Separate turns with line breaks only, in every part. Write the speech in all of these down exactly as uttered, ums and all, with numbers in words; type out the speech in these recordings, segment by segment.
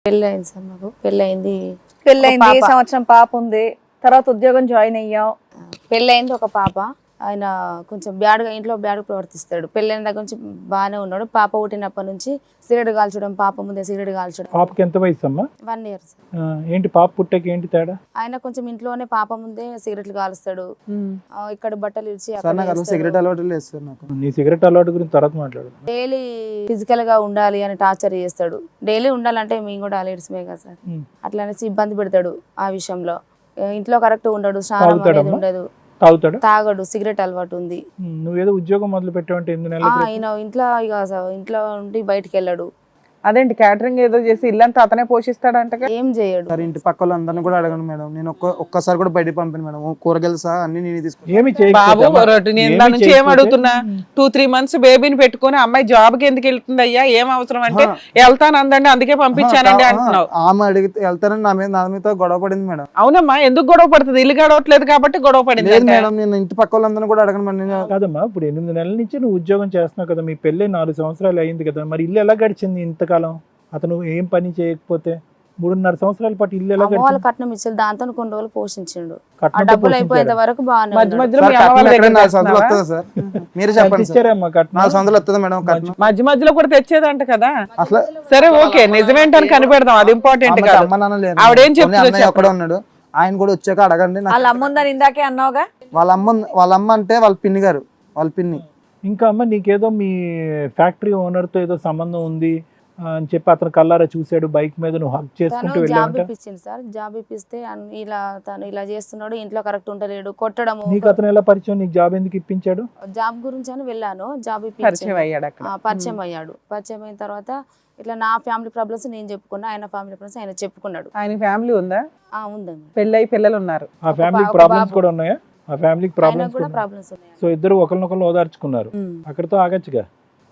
పెళ్ళి అయింది సార్ మాకు పెళ్ళి అయింది
పెళ్ళైంది ఈ సంవత్సరం పాప ఉంది, తర్వాత ఉద్యోగం జాయిన్ అయ్యావు.
పెళ్ళి అయింది ఒక పాప. ఆయన కొంచెం బ్యాడ్గా ఇంట్లో బ్యాడ్ ప్రవర్తిస్తాడు. పెళ్ళైన దగ్గర నుంచి బాగానే ఉన్నాడు. పాప పుట్టినప్పటి నుంచి సిగరెట్ కాల్చడం, పాప ముందే సిగరెట్ కాల్చడం.
పాపకి ఎంత వయసు అమ్మా?
One year sir.
ఏంటి పాప పుట్టకి ఏంటి తేడా?
ఆయన కొంచెం ఇంట్లోనే పాప ముందే సిగరెట్లు కాలుస్తాడు. ఇక్కడ బట్టలు ఇచ్చి
సిగరెట్ అలవాటు లేదు సార్ నాకు.
నీ సిగరెట్ అలవాటు గురించి తర్వాత మాట్లాడు.
డైలీ ఫిజికల్ గా ఉండాలి అని టార్చర్ చేస్తాడు. డైలీ ఉండాలంటే మేము కూడా లేడీస్మే కదా సార్. అట్లా అనేసి ఇబ్బంది పెడతాడు ఆ విషయంలో. ఇంట్లో కరెక్ట్ ఉండడు, స్నానం అనేది ఉండదు,
తాగుతాడు,
తాగడు, సిగరెట్ అలవాటు ఉంది.
నువ్వేదో ఉద్యోగం మొదలు పెట్టావంటే ఎన్ని నెలలు?
ఆయన ఇంట్లో ఇక ఇంట్లో ఉండి బయటికి వెళ్ళాడు.
అదేంటి క్యాటరింగ్ ఏదో చేసి ఇల్లంతా అతనే పోషిస్తాడంట.
ఏం చేయడు.
సరే ఇంటి పక్క వాళ్ళందరినీ కూడా అడగను మేడం. నేను ఒక్క ఒక్కసారి కూడా బయట పంపిన మేడం. కూరగాయలు సహా అన్ని నేను తీసుకున్నాను.
ఏమి
బాబు నేను దాని నుంచి ఏం అడుగుతున్నా, టూ త్రీ మంత్స్ బేబీని పెట్టుకుని అమ్మాయి జాబ్ కి ఎందుకు వెళ్తుంది అయ్యా, ఏం అవసరం అంటే వెళ్తాను అందండి అందుకే పంపించానండి అంటున్నావు.
ఆమె అడిగితే వెళ్తానని నా మీద నా మీద గొడవ పడింది మేడం.
అవునమ్మా, ఎందుకు గొడవ పడుతుంది? ఇల్లు గడవట్లేదు కాబట్టి గొడవ పడింది
మేడం. నేను ఇంటి పక్క వాళ్ళందరినీ కూడా అడగను మేడం.
కాదమ్మా, ఇప్పుడు ఎనిమిది నెలల నుంచి నువ్వు ఉద్యోగం చేస్తున్నావు కదా, మీ పెళ్ళి నాలుగు సంవత్సరాలు అయింది కదా, మరి ఇల్లు ఎలా గడిచింది ఇంతకాలం? అతను ఏం పని చేయకపోతే మూడున్నర సంవత్సరాల పాటు ఇల్లు ఎలా
వాళ్ళు కట్నం ఇచ్చారు, దాంతో కొన్ని రోజులు పోషించిండు. డబ్బులు అయిపోయేంత వరకు బాగానే మధ్య మధ్యలో
మీరు చెప్పండి. నాలుగు సందులు వస్తుంది మేడం
మధ్య మధ్యలో కూడా తెచ్చేదంట కదా. అసలు సరే ఓకే, నిజమేంటని కనిపెడదాం, అది ఇంపార్టెంట్ కాదు.
అమ్మ నాన్న లేరు,
ఆవిడేం చెప్తుంది
అక్కడ ఉన్నాడు. ఆయన కూడా వచ్చాక అడగండి.
వాళ్ళ అమ్మ ఉందని ఇందాకే అన్నావుగా.
వాళ్ళ అమ్మ వాళ్ళ అమ్మ అంటే వాళ్ళ పిన్ని గారు, వాళ్ళ పిన్ని.
ఇంకా అమ్మ నీకేదో మీ ఫ్యాక్టరీ ఓనర్ తో ఏదో సంబంధం ఉంది అని చెప్పి అతను కల్లారా చూసాడు, బైక్ మీద నువ్వు హక్ చేసుకుంటూ
జాబ్ ఇప్పించింది సార్. జాబ్ ఇప్పిస్తే ఇలా తను ఇలా చేస్తున్నాడు, ఇంట్లో కరెక్ట్ ఉండలేడు, కొట్టడము.
నీకు అతను ఎలా పరిచయం? నీకు జాబ్ ఎందుకు ఇప్పించాడు?
జాబ్ గురించి అని వెళ్ళాను, జాబ్
పరిచయం అయ్యాడు.
పరిచయం అయ్యాడు. పరిచయం అయిన తర్వాత ఇట్లా నా ఫ్యామిలీ ప్రాబ్లమ్స్ నేను చెప్పుకున్నా, ఆయన ఫ్యామిలీ ప్రాబ్లమ్స్ ఆయన చెప్పుకున్నాడు.
ఆయన ఫ్యామిలీ ఉందా?
ఉందండి.
పెళ్ళై పిల్లలు ఉన్నారు.
ఆ ఫ్యామిలీ ప్రాబ్లమ్స్ కూడా ఉన్నాయా? ఆ ఫ్యామిలీకి ప్రాబ్లమ్స్
కూడా ప్రాబ్లమ్స్ ఉన్నాయి.
సో ఇద్దరు ఒకరినొకరు ఓదార్చుకున్నారు. అక్కడతో ఆగచ్చుగా.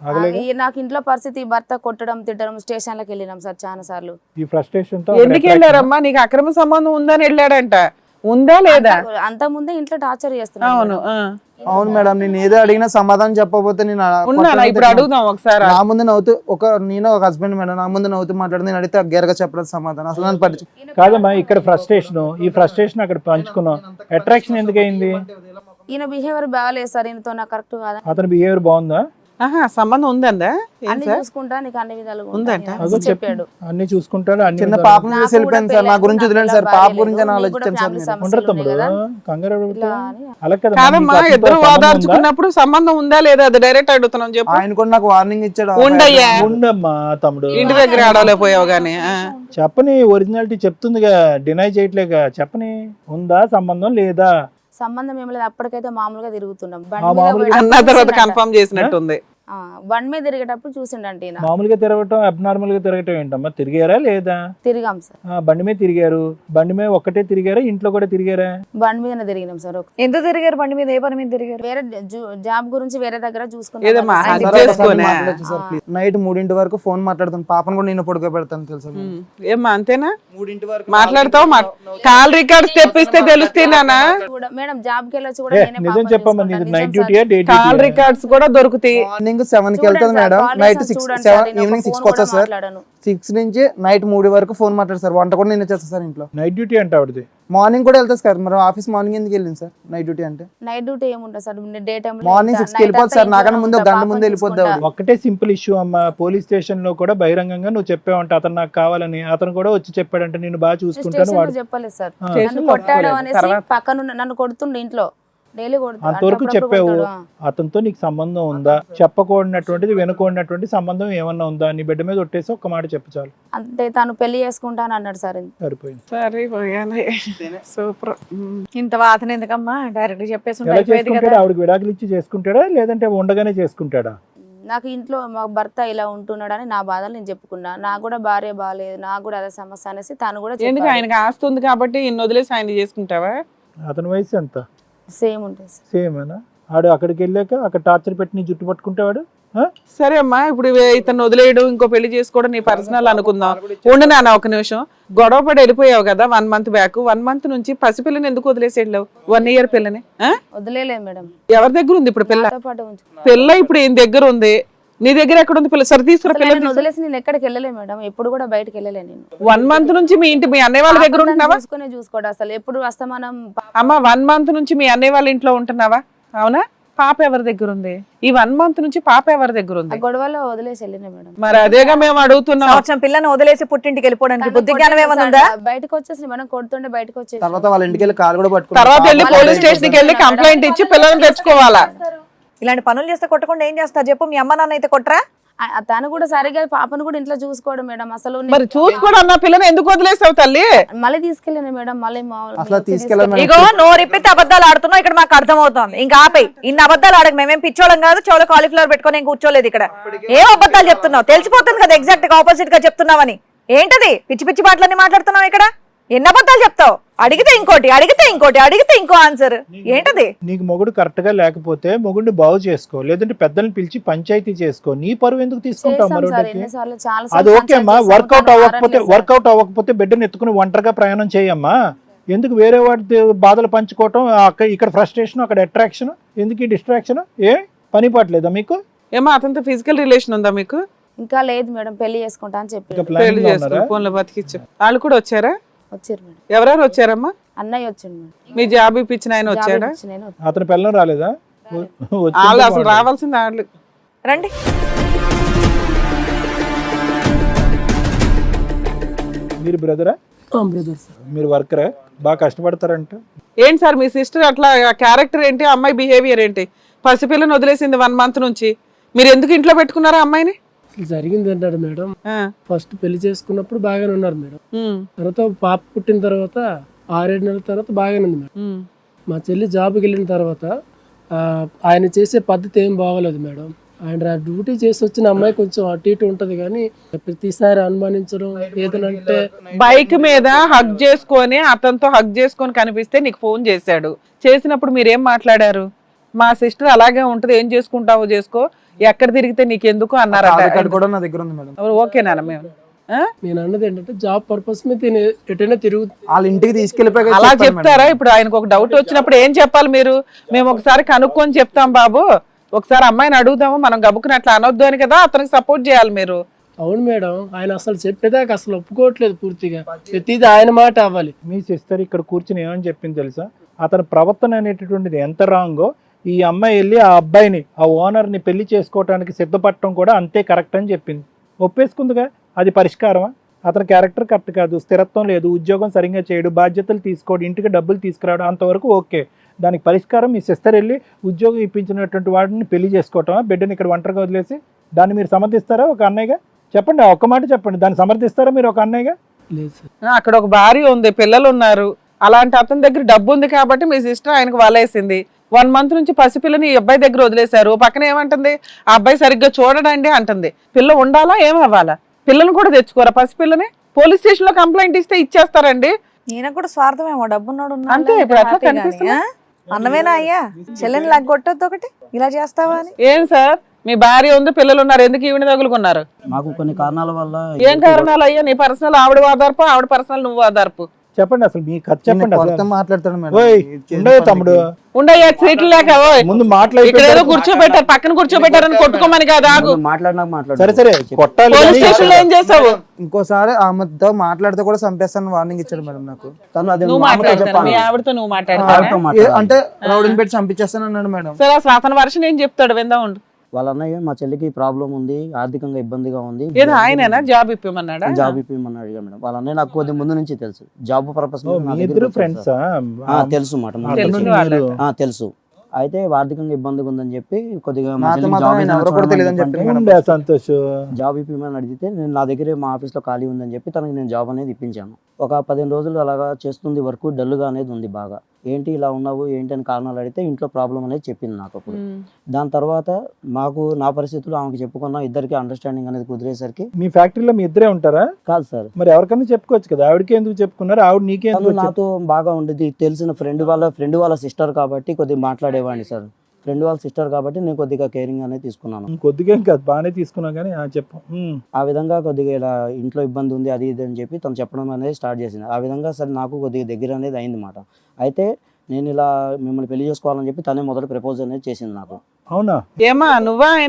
నాకు ఇంట్లో పరిస్థితి, భర్త కొట్టడం తిట్టడం, స్టేషన్ లకు వెళ్ళినాం సార్ చాలా సార్లు.
ఈ ఫ్రస్ట్రేషన్ తో
ఎందుకు వెళ్ళారమ్మా? నీకు అక్రమ సంబంధం ఉందని వెళ్ళాడంట, ఉందా లేదా?
అంత ముందే ఇంట్లో టార్చర్ చేస్తున్నా.
అవును
అవును మేడం. నేను ఏదో అడిగినా సమాధానం చెప్పకపోతే నేను
ఇప్పుడు అడుగుదాం ఒకసారి.
నా ముందు నవ్వుతూ ఒక నేను ఒక హస్బెండ్ మేడం, నా ముందు నవ్వుతూ మాట్లాడి నేను అడిగితే గేరగా చెప్పలేదు సమాధానం. అసలు నన్ను పట్టించు
కాదమ్మా. ఇక్కడ ఫ్రస్ట్రేషన్, ఈ ఫ్రస్ట్రేషన్ అక్కడ పంచుకున్నాం. అట్రాక్షన్ ఎందుకు అయింది?
ఈయన బిహేవియర్ బాగాలేదు సార్, ఈయనతో నాకు కరెక్ట్ కాదా.
అతని బిహేవియర్ బాగుందా?
ఆహా, సంబంధం ఉందందా?
అన్ని చూసుకుంటా నీకు అన్ని విధాలుగా
ఉందంట
చెప్పాడు.
అన్ని చూసుకుంటాడు. అన్ని
చిన్న పాపను చూసి వెళ్ళిపోయింది సార్. నా గురించి వదిలేండి సార్, పాప గురించి ఆలోచించండి సార్.
ఉండరు తమ్ముడు, కంగారు అలా కదా.
కాదమ్మా, ఇద్దరు వాదార్చుకున్నప్పుడు సంబంధం ఉందా లేదా అది డైరెక్ట్ అడుగుతున్నాం చెప్పు.
ఆయన కూడా నాకు వార్నింగ్ ఇచ్చాడు.
ఉండయ్యా,
ఉండమ్మా తమ్ముడు,
ఇంటి దగ్గర ఆడలేకపోయావు గానీ
చెప్పని ఒరిజినాలిటీ చెప్తుందిగా, డినై చేయట్లేగా. చెప్పని ఉందా సంబంధం లేదా?
సంబంధం ఏం లేదు, అప్పటికైతే మామూలుగా తిరుగుతున్నాం.
అన్న తర్వాత కన్ఫర్మ్ చేసినట్టుంది.
బండి మీద తిరిగేటప్పుడు చూసిండంటే.
మామూలుగా తిరగటం అబ్నార్మల్ గా తిరగటం ఏంటమ్మా? తిరిగారా లేదా?
తిరిగాం సార్.
బండి మీద తిరిగారు. బండి మీద ఒక్కటే తిరిగారా, ఇంట్లో కూడా తిరిగారా?
బండి మీద తిరిగినాం సార్.
ఎందుకు తిరిగారు బండి మీద? ఏ పని మీద తిరిగారు?
వేరే జాబ్ గురించి వేరే దగ్గర చూసుకున్నాం.
నైట్ మూడింటి వరకు ఫోన్ మాట్లాడుతాను. పాపను కూడా నేను పడుకో పెడతాను తెలుసా.
ఏమ్మా అంతేనా? మూడింటి వరకు మాట్లాడతావు? కాల్ రికార్డ్స్ తెప్పిస్తే తెలుస్తేనా?
మేడం జాబ్ కి వెళ్ళొచ్చు కూడా
నిజం చెప్పమ్మా. నైట్ డ్యూటీయా డే డ్యూటీయా?
కాల్ రికార్డ్స్ కూడా దొరుకుతాయి.
మార్నింగ్ సెవెన్ కి వెళ్తాను madam, night six seven evening six కి వస్తా సార్. సిక్స్ నుంచి నైట్ మూడు వరకు ఫోన్ మాట్లాడు సార్. వంట కూడా నేను చేస్తాను సార్ ఇంట్లో.
నైట్ డ్యూటీ అంటే ఆవిడది
మార్నింగ్ కూడా వెళ్తా సార్. మరి ఆఫీస్ మార్నింగ్ ఎందుకు వెళ్ళింది సార్? నైట్ డ్యూటీ అంటే
నైట్ డ్యూటీ ఏముంటుంది sir, day time
morning six కి వెళ్ళిపోతుంది సార్. నాకన్నా ముందు ఒక గంట ముందు వెళ్ళిపోద్ది.
ఒక్కటే సింపుల్ ఇష్యూ అమ్మా. పోలీస్ స్టేషన్ లో కూడా బహిరంగంగా నువ్వు చెప్పావంటే అతను నాకు కావాలని, అతను కూడా వచ్చి చెప్పాడంటే నేను బాగా చూసుకుంటాను.
చెప్పలేదు సార్, నన్ను కొట్టాడు అనేసి పక్కన నన్ను కొడుతుండే ఇంట్లో.
అంతవరకు చెప్పావు. అతనితో నీకు సంబంధం ఉందా? చెప్పకూడనటువంటిది వినకూడనటువంటి సంబంధం ఏమన్నా ఉందా? నీ బిడ్డ మీద ఒట్టేసి ఒక్క మాట చెప్పు చాలు.
అంటే తను పెళ్లి చేసుకుంటాను అన్నాడు సార్.
సరిపోయింది.
సూపర్.
ఇంత వాతన ఎందుకమ్మా, డైరెక్ట్ చెప్పేసి
ఎలా చేసుకుంటాడా? ఆవిడకి విడాకులు ఇచ్చి చేసుకుంటాడా లేదంటే ఉండగానే చేసుకుంటాడా?
నాకు ఇంట్లో మా భర్త ఇలా ఉంటున్నాడని నా బాధలు నేను చెప్పుకున్నా. నాకు కూడా భార్య బాగాలేదు, నాకు కూడా అదే సమస్య అనేసి తను కూడా.
ఎందుకు? ఆయనకి ఆస్తుంది కాబట్టి ఇన్ని వదిలేసి ఆయన చేసుకుంటావా?
అతని వయసు ఎంత?
సేమ్ ఉంటుంది.
సేమేనా? ఆడు అక్కడికి వెళ్ళాక అక్కడ టార్చర్ పెట్టి నీ జుట్టు పట్టుకుంటేవాడు.
సరే అమ్మా, ఇప్పుడు ఇతను వదిలేయడం ఇంకో పెళ్లి చేసుకోవడం నీ పర్సనల్ అనుకుందాం. ఉండు నాన్న ఒక నిమిషం. గొడవ పడి వెళ్ళిపోయావు కదా one month back. One month నుంచి పసిపిల్లని ఎందుకు వదిలేసి వెళ్ళావు? వన్ ఇయర్ పిల్లని
వదిలేదు మేడం.
ఎవరి దగ్గర ఉంది ఇప్పుడు పిల్ల? పిల్ల ఇప్పుడు ఈయన దగ్గర ఉంది. నీ దగ్గర ఎక్కడ ఉంది పిల్ల? సరే తీసుకురా
అసలు
పిల్లలు.
ఆయనను వదిలేసి నేను ఎక్కడికి వెళ్ళలే మేడం, ఎప్పుడు కూడా బయటకు వెళ్ళలే నేను.
వన్ మంత్ నుంచి మీ ఇంటి మీ అన్నయ్య వాళ్ళ దగ్గర ఉంటున్నావా?
చూసుకునే చూసుకోడు అసలు, ఎప్పుడు అస్తమానం
అమ్మ వన్ మంత్ నుంచి మీ అన్నయ్య వాళ్ళ ఇంట్లో ఉంటున్నావా? అవునా? పాప ఎవరి దగ్గర ఉంది? ఈ వన్ మంత్ నుంచి పాప ఎవరి దగ్గర
ఆ
ఉంది?
గొడవలో వదిలేసి వెళ్ళిన మేడం.
మరి అదేగా మేము అడుగుతున్నాం.
సంవత్సరం పిల్లని వదిలేసి పుట్టింటికి వెళ్ళిపోవడానికి బుద్ధి జ్ఞానం ఏమైనా ఉందా?
బయటకు వచ్చేసి మనం కొడుతుంటే బయటకు వచ్చేసి
తర్వాత వాళ్ళ ఇంటికి వెళ్ళి కాలు కూడా పట్టుకుని
తర్వాత వెళ్ళి పోలీస్ స్టేషన్ కి వెళ్ళి కంప్లైంట్ ఇచ్చి పిల్లల్ని తెచ్చుకోవాలా?
ఇలాంటి పనులు చేస్తే కొట్టకుండా ఏం చేస్తారు చెప్పు? మీ అమ్మ నాన్న అయితే కొట్టరా?
ఆ- తను కూడా సరిగా పాపను కూడా ఇంట్లో చూసుకోవడం మేడం. అసలు నేను-
మరి చూసుకోవడం అన్న పిల్లని ఎందుకు వదిలేసావు తల్లి?
మళ్ళీ తీసుకెళ్ళాను మేడం, మళ్ళీ మా-
అసలు
వచ్చి
తీసుకెళ్ళాను మేడం.
ఇగో నోరిప్పితే అబద్ధాలు ఆడుతున్నావు, ఇక్కడ మాకు అర్థం అవుతుంది. ఇంకా ఆపేయి, ఇన్ని అబద్ధాలు ఆడక మేమేం పిచ్చోళం కాదు, చెవులో కాలీఫ్లవర్ పెట్టుకొని ఏం కూర్చోలేదు ఇక్కడ. ఏం అబద్ధాలు చెప్తున్నావు? తెలిసిపోతుంది కదా ఎగ్జాక్ట్ గా ఆపోజిట్ గా చెప్తున్నావని. ఏంటది పిచ్చి పిచ్చి మాటలన్నీ మాట్లాడుతున్నావు ఇక్కడ? ఎన్ని అబద్ధాలు చెప్తావు? అడిగితే ఇంకోటి, అడిగితే ఇంకోటి, అడిగితే ఇంకో ఆన్సర్. ఏంటది?
నీకు మొగుడు కరెక్ట్ గా లేకపోతే మొగుడిని బాగు చేసుకో, లేదంటే పెద్దల్ని పిలిచి పంచాయతీ చేసుకో. నీ పరువు ఎందుకు తీసుకుంటావు
చేశాం సార్
మరొకటి?
ఎన్నిసార్లు, చాలా
అది
సార్లు
ఓకే అమ్మా,
పంచాయతీ
వర్కౌట్
చేశాం,
అవ్వకపోతే
ఆరట్లేదు సార్.
వర్కౌట్ అవ్వకపోతే బిడ్డను ఎత్తుకుని ఒంటరిగా ప్రయాణం చేయమ్మా. ఎందుకు వేరే వాటి బాధలు పంచుకోవటం? అక్కడ ఇక్కడ ఫ్రస్ట్రేషన్, అక్కడ అట్రాక్షన్, ఎందుకు ఈ డిస్ట్రాక్షన్? ఏ పని పట్టలేదా మీకు?
ఏమో అతనితో ఫిజికల్ రిలేషన్ ఉందా మీకు?
ఇంకా లేదు మేడం, పెళ్లి చేసుకుంటా అని చెప్పి
ఇంకా
పెళ్లి
ప్లానింగ్
చేసుకో,
ఉన్నారా?
ఫోన్లో బతికిచ్చు. వాళ్ళు కూడా వచ్చారా?
వచ్చారు మేడం.
ఎవరెవరు వచ్చారమ్మా?
అన్నయ్య వచ్చిండు మేడం.
మీ జాబ్ ఇప్పించిన ఆయన
జాబ్
వచ్చాడా?
ఇచ్చి నేను వచ్చాను.
అతని పిల్లలు రాలేదా? వచ్చింటే
వాళ్ళు అసలు
బాగుండేది.
రావాల్సింది వాళ్ళు.
రండి.
మీరు బ్రదరా?
Brother sir.
మీరు వర్కరా? బాగా కష్టపడతారంట.
ఏంటి సార్ మీ సిస్టర్ అట్లా క్యారెక్టర్ ఏంటి, అమ్మాయి బిహేవియర్ ఏంటి? పసిపిల్లని వదిలేసింది వన్ మంత్ నుంచి, మీరు ఎందుకు ఇంట్లో పెట్టుకున్నారా అమ్మాయిని?
అసలు జరిగింది ఏంటాడు మేడం,
ఆ,
ఫస్ట్ పెళ్లి చేసుకున్నప్పుడు బాగానే ఉన్నారు మేడం.
ఉమ్,
తర్వాత పాప పుట్టిన తర్వాత ఆరేడు నెలల తర్వాత బాగానే ఉంది మేడం.
ఉమ్,
మా చెల్లి జాబ్కి వెళ్ళిన తర్వాత ఆ, ఆయన చేసే పద్ధతి ఏం బాగోలేదు మేడం. ఆయన డ్యూటీ చేసి వచ్చిన అమ్మాయి కొంచెం అటు ఇటు ఉంటది కానీ ప్రతిసారి అనుమానించడం ఏదనంటే
బైక్ మీద హగ్ చేసుకొని అతనితో హగ్ చేసుకొని కనిపిస్తే నీకు ఫోన్ చేశాడు. చేసినప్పుడు మీరేం మాట్లాడారు? మా సిస్టర్ అలాగే ఉంటది, ఏం చేసుకుంటావో చేసుకో, ఎక్కడ తిరిగితే నీకెందుకు అన్నారట.
ఆధార్ కార్డు కూడా నా దగ్గర ఉంది మేడం.
ఓకేనా మేము? ఆ?
నేను అన్నది ఏంటంటే జాబ్ పర్పస్ మీద నేను ఎటైనా తిరుగు
వాళ్ళ ఇంటికి తీసుకెళ్ళిపోయి
అలా చెప్తారా? ఇప్పుడు ఆయనకు ఒక డౌట్ వచ్చినప్పుడు ఏం చెప్పాలి మీరు? మేము ఒకసారి కనుక్కొని చెప్తాం బాబు, ఒకసారి అమ్మాయిని అడుగుదాము, మనం గబుకుని అట్లా అనొద్దు అని కదా అతనికి సపోర్ట్ చేయాలి మీరు.
అవును మేడం, ఆయన అసలు చెప్పేదాకా అసలు ఒప్పుకోవట్లేదు పూర్తిగా, ప్రతిదీ ఆయన మాట అవ్వాలి.
మీ సిస్టర్ ఇక్కడ కూర్చుని ఏమని చెప్పింది తెలుసా? అతని ప్రవర్తన అనేటటువంటిది ఎంత రాంగో, ఈ అమ్మాయి వెళ్ళి ఆ అబ్బాయిని, ఆ ఓనర్ని పెళ్లి చేసుకోవడానికి సిద్ధపడటం కూడా అంతే కరెక్ట్ అని చెప్పింది. ఒప్పేసుకుందిగా, అది పరిష్కారమా? అతని క్యారెక్టర్ కరెక్ట్ కాదు, స్థిరత్వం లేదు, ఉద్యోగం సరిగ్గా చేయడు, బాధ్యతలు తీసుకోడు, ఇంటికి డబ్బులు తీసుకురావడం, అంతవరకు ఓకే. దానికి పరిష్కారం మీ సిస్టర్ వెళ్ళి ఉద్యోగం ఇప్పించినటువంటి వాడిని పెళ్లి చేసుకోవటమా? బిడ్డని ఇక్కడ ఒంటరిగా వదిలేసి దాన్ని మీరు సమర్థిస్తారా ఒక అన్నయ్యగా? చెప్పండి, ఒక్క మాట చెప్పండి, దాన్ని సమర్థిస్తారా మీరు ఒక అన్నయ్యగా?
లేదు సార్.
ఆ, అక్కడ ఒక భార్య ఉంది, పిల్లలు ఉన్నారు, అలాంటి అతని దగ్గర డబ్బు ఉంది కాబట్టి మీ సిస్టర్ ఆయనకు వలేసింది. వన్ మంత్ నుంచి పసిపిల్లని ఈ అబ్బాయి దగ్గర వదిలేశారు. పక్కన ఏమంటుంది? ఆ అబ్బాయి సరిగ్గా చూడడండి అంటుంది. పిల్ల ఉండాలా ఏమవ్వాలా? పిల్లని కూడా తెచ్చుకోరా పసిపిల్లని? పోలీస్ స్టేషన్ లో కంప్లైంట్ ఇస్తే ఇచ్చేస్తారండి.
ఈయన కూడా స్వార్థమేమో, డబ్బున్నాడు ఉన్నాడు
అంతే,
అంటే
ఇప్పుడు అట్లా
హ్యాపీ గానీ,
కనిపిస్తుందా?
ఆ? అన్నమేనా అయ్యా? చెల్లెని లాగ్ కొట్టొద్దు ఒకటి, ఇలా చేస్తావా అని.
ఏం సార్, మీ భార్య ఉంది, పిల్లలు ఉన్నారు, ఎందుకు ఈవిని తగులుకున్నారు?
మాకు కొన్ని కారణాల వల్ల
ఏం కారణాలు అయ్యా? నీ పర్సనల్ ఆవిడ ఆధారపు, ఆవిడ పర్సనల్ నువ్వు ఆధారపు.
చెప్పండి అసలు మీ ఖర్చు చెప్పండి అసలు.
కొత్త మాట్లాడతాడు మేడం.
ఓయ్
చేసిన
ఉండవు
పనికి.
తమ్ముడు,
ఉండయ్యా సీట్లు లేక ఓయ్.
ముందు
ఇక్కడ ఏదో
మాట్లాడి
కూర్చోబెట్టారు, పక్కన కూర్చోబెట్టారని కొట్టుకోమని కాదు, ఆగు.
మాట్లాడినాక మాట్లాడు.
సరే సరే కొట్టాలి
పోలీస్
కానీ
స్టేషన్ లో ఏం చేసావు?
ఇంకోసారి ఆమెతో మాట్లాడితే కూడా చంపేస్తాను వార్నింగ్ ఇచ్చాడు మేడం నాకు.
తను అది
నువ్వు
మా అమ్మతో
మాట్లాడతాను,
చెప్పాను.
మీ ఆవిడతో నువ్వు
ఆవిడతో
మాట్లాడతావా?
మాట్లాడాను.
ఏ- అంటే రౌడీని పెట్టి చంపించేస్తాను అన్నాడు మేడం.
సరే అసలు అతని వర్షన్ ఏం చెప్తాడు, విందా ఉండు.
వాళ్ళ అన్నయ్య మా చెల్లికి ప్రాబ్లం ఉంది, ఆర్థికంగా ఇబ్బందిగా ఉంది,
ఏదో ఆయనేనా జాబ్ ఇప్పమన్నాడా?
జాబ్ ఇప్పిమని అడిగా మేడం. వాళ్ళ అన్నయ్య నాకు కొద్ది ముందు నుంచి తెలుసు, జాబ్ పర్పస్
ఓ, మీ ఇద్దరు ఫ్రెండ్సా?
తెలుసు మాట ముందు
తెలుసు
తెలుసు.
వాళ్ళ.
ఆ, తెలుసు. అయితే ఆర్థికంగా ఇబ్బందిగా ఉందని చెప్పి కొద్దిగా మా
నాతో
చెల్లికి
మాత్రం
జాబ్
ఆయన
ఏదైనా
ఎవరో కూడా
చూడమని
తెలియదని
చెప్పంటే
చెప్పాను
ఉండే సంతోష్.
జాబ్ ఇప్పిమని అడిగితే నేను నా దగ్గరే మా ఆఫీస్లో ఖాళీ ఉందని చెప్పి తనకి నేను జాబ్ అనేది ఇప్పించాను. ఒక పదిహేను రోజులు అలాగా చేస్తుంది, వర్క్ డల్గా అనేది ఉంది బాగా. ఏంటి ఇలా ఉన్నావు ఏంటి అని కారణాలు అడిగితే ఇంట్లో ప్రాబ్లం అనేది చెప్పింది నాకు అప్పుడు. దాని తర్వాత మాకు నా పరిస్థితులు ఆమెకు చెప్పుకున్నా, ఇద్దరికి అండర్స్టాండింగ్ అనేది కుదిరేసరికి.
మీ ఫ్యాక్టరీలో మీ ఇద్దరే ఉంటారా?
కాదు సార్,
మరి ఎవరికైనా చెప్పుకోవచ్చు కదా, ఆవిడకి ఎందుకు చెప్పుకున్నారు? ఆవిడ నీకే
తను
ఎందుకు
నాతో బాగా ఉండేది, తెలిసిన ఫ్రెండ్ వాళ్ళ ఫ్రెండ్ వాళ్ళ సిస్టర్ కాబట్టి కొద్దిగా మాట్లాడేవాడిని సార్. ఫ్రెండ్ వాళ్ళ సిస్టర్ కాబట్టి నేను కొద్దిగా కేరింగ్ అనేది తీసుకున్నాను.
చెప్పు? కొద్దిగా ఏం కాదు, బాగానే తీసుకున్నావు కానీ ఆ, చెప్పు. ఉమ్.
ఆ విధంగా కొద్దిగా ఇలా ఇంట్లో ఇబ్బంది ఉంది అది ఇది అని చెప్పి తను చెప్పడం అనేది స్టార్ట్ చేసింది. ఆ విధంగా సరే నాకు కొద్దిగా దగ్గర అనేది అయింది మాట. అయితే నేను ఇలా మిమ్మల్ని పెళ్లి చేసుకోవాలని చెప్పి తనే మొదటి ప్రపోజ్ అనేది చేసింది నాకు.
అవునా?
ఏమా నువ్వా ఆయన?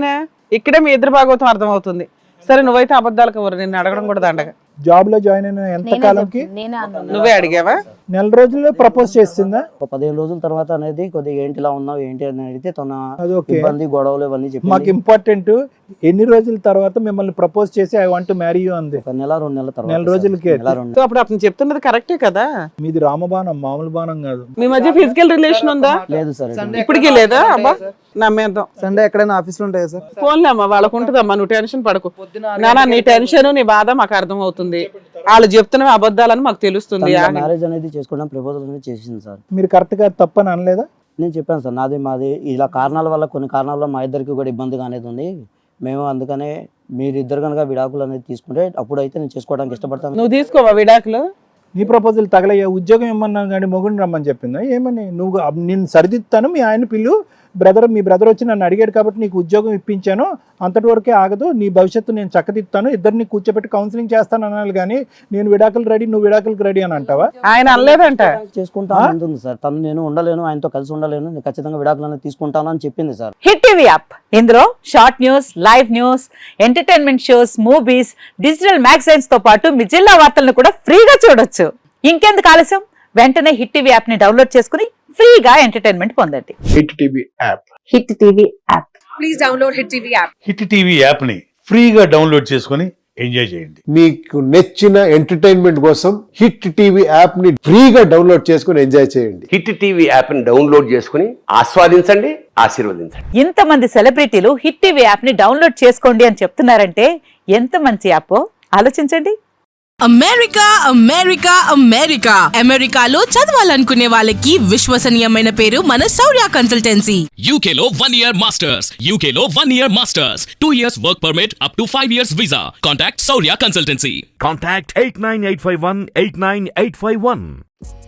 ఇక్కడే మీ ఇద్దరు భాగవతం అర్థమవుతుంది. సరే నువ్వైతే అబద్ధాలు కవరు, నిన్ను అడగడం కూడా దండగా.
జాబ్ లో జాయిన్ అయిన ఎంత
నేనే
కాలంకి?
చెప్పి- నేనే అన్నాను.
నువ్వే అడిగావా?
నెల రోజుల్లో ప్రపోజ్ చేసిందా?
ఒక పదిహేను రోజుల తర్వాత అనేది కొద్దిగా ఏంటి ఇలా ఉన్నావు ఏంటి అని అడిగితే తన
అది ఓకే.
ఇబ్బంది గొడవలు ఇవన్నీ
మాకు
చెప్పింది.
ఇంపార్టెంట్, ఎన్ని రోజుల తర్వాత మిమ్మల్ని ప్రపోజ్ చేసి I want to marry you అంది?
ఒక నెల రెండు నెలల తర్వాత
నెల రోజులకే.
నెల రెండు
సో అప్పుడు అతను చెప్తున్నది కరెక్టే కదా.
మీది రామబాణం, మామూలు బాణం కాదు.
మీ మధ్య ఫిజికల్ రిలేషన్ ఉందా?
లేదు సార్.
ఇప్పటికీ లేదా? అబ్బా నమ్మేద్దాం.
సండే ఎక్కడైనా ఆఫీస్లో ఉంటాయా సార్?
ఫోన్లే అమ్మా, వాళ్ళకు ఉంటుందమ్మా, నువ్వు టెన్షన్ పడకు. నానా నీ టెన్షన్ నీ బాధ మాకు అర్థం అవుతుంది. వాళ్ళు చెప్తున్నవి అబద్ధాలని మాకు తెలుస్తుంది.
మ్యారేజ్ అనేది చేసుకోవడం ప్రపోజల్ అనేది చేసింది సార్.
మీరు కరెక్ట్ గా తప్పని అనలేదా?
నేను చెప్పాను సార్, నాది మాది ఇలా కారణాల వల్ల కొన్ని కారణాల వల్ల మా ఇద్దరికి కూడా ఇబ్బందిగా అనేది ఉంది. మేము అందుకనే మీరిద్దరు కనుక విడాకులు అనేది తీసుకుంటే అప్పుడు అయితే నేను చేసుకోవడానికి ఇష్టపడతాను.
నువ్వు తీసుకోవా విడాకులు?
నీ ప్రపోజల్ తగలయ్యా, ఉద్యోగం ఏమన్నా కానీ మొగుడిని రమ్మని చెప్పిందా? ఏమని? నువ్వు అబ్- నేను సరిదిద్దుతాను, మీ ఆయన పిల్లు, బ్రదర్ మీ బ్రదర్ వచ్చి నన్ను అడిగాడు కాబట్టి నీకు ఉద్యోగం ఇప్పించాను, అంతటి వరకే ఆగదు, నీ భవిష్యత్తు నేను చక్కదిద్దుతాను, ఇద్దరిని కూర్చోబెట్టి కౌన్సిలింగ్ చేస్తాను అనాలి కానీ నేను విడాకులు రెడీ నువ్వు విడాకులకు రెడీ అని అంటావా?
ఆయన అనలేదంట.
చేసుకుంటాను అంటుంది సార్. తను నేను ఉండలేను, ఆయనతో కలిసి ఉండలేను, నేను ఖచ్చితంగా విడాకులు అనేది తీసుకుంటాను అని చెప్పింది సార్.
హిట్ టీవీ యాప్, ఇందులో short news, live news, entertainment shows, movies, digital magazines తో పాటు మీ జిల్లా వార్తలను కూడా ఫ్రీగా చూడొచ్చు. ఇంకెందుకు ఆలస్యం, వెంటనే హిట్ టీవీ యాప్ ని డౌన్లోడ్ చేసుకుని ఫ్రీగా ఎంటర్టైన్మెంట్ పొందండి.
Hit TV app
hit TV app.
Hit TV app ని ఫ్రీగా డౌన్లోడ్ చేసుకొని ఎంజాయ్ చేయండి.
మీకు నచ్చిన ఎంటర్టైన్మెంట్ కోసం హిట్ టీవీ యాప్ ని ఫ్రీగా డౌన్లోడ్ చేసుకుని ఎంజాయ్ చేయండి.
హిట్ టీవీ యాప్ ని డౌన్లోడ్ చేసుకుని ఆస్వాదించండి, ఆశీర్వదించండి.
ఇంతమంది సెలబ్రిటీలు హిట్ టీవీ యాప్ ని డౌన్లోడ్ చేసుకోండి అని చెప్తున్నారంటే ఎంత మంచి యాప్ ఆలోచించండి.
అమెరికా అమెరికా అమెరికా అమెరికాలో చదవాలనుకునే వాళ్ళకి విశ్వసనీయమైన పేరు మన శౌర్య కన్సల్టెన్సీ.
యూకేలో వన్ ఇయర్ మాస్టర్స్, యూకేలో one year masters, two years work permit, up to five years visa. Contact Shaurya consultancy.
Contact eight nine eight five one eight nine eight five one.